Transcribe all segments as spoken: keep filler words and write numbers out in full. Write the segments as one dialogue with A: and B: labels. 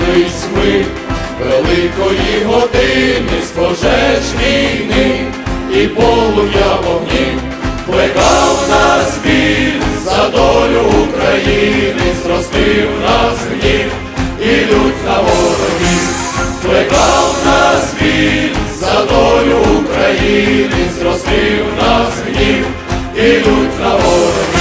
A: Наблизились ми великої години з пожеж війни, і полум'я вогнів плекав нас біль за долю України, зростив нас гнів і лють на ворогів, плекав нас біль за долю України, зростив нас гнів і лють на ворогів.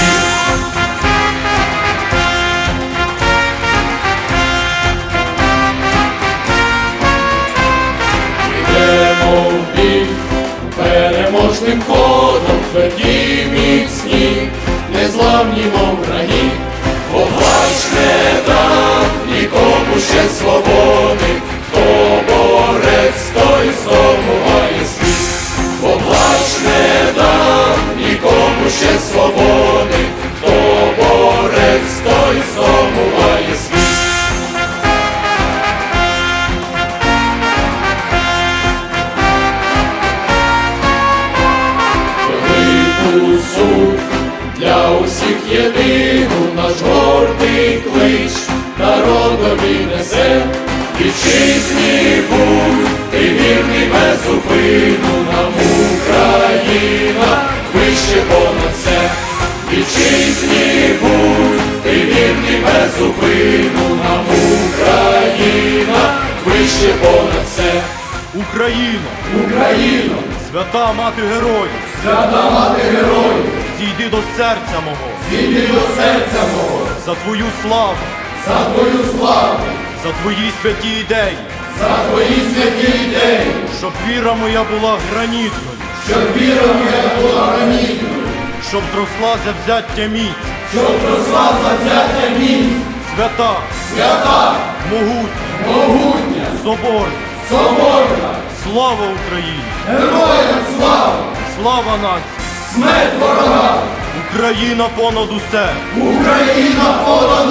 A: Переможним ходом тверді міцні, незламні мов враги, поплач не дав нікому ще свободи, хто борець, той здобуває світ. Поплач не дав нікому ще свободи, хто борець, той здобуває світ. Суть для усіх єдину наш гордий клич народові несе. Вітчизні будь, ти вірний без зупину, нам Україна вище понад все. Вітчизні будь, ти вірний без зупину, нам Україна вище понад все.
B: Україно!
A: Україно!
B: Свята мати героїв!
A: Свята мати героїв!
B: Зійди до серця мого!
A: Зійди до серця мого!
B: За твою славу!
A: За твою славу!
B: За твої святі ідеї!
A: За твої святі ідеї!
B: Щоб віра моя була гранітною!
A: Щоб віра моя була гранітною!
B: Щоб зросла завзяття міць!
A: Щоб зросла завзяття міць!
B: Свята!
A: Свята!
B: Могутня!
A: Могутня!
B: Соборна!
A: Соборна!
B: Слава Україні!
A: Героям слава!
B: Слава нації!
A: Смерть ворогам!
B: Україна понад усе!
A: Україна понад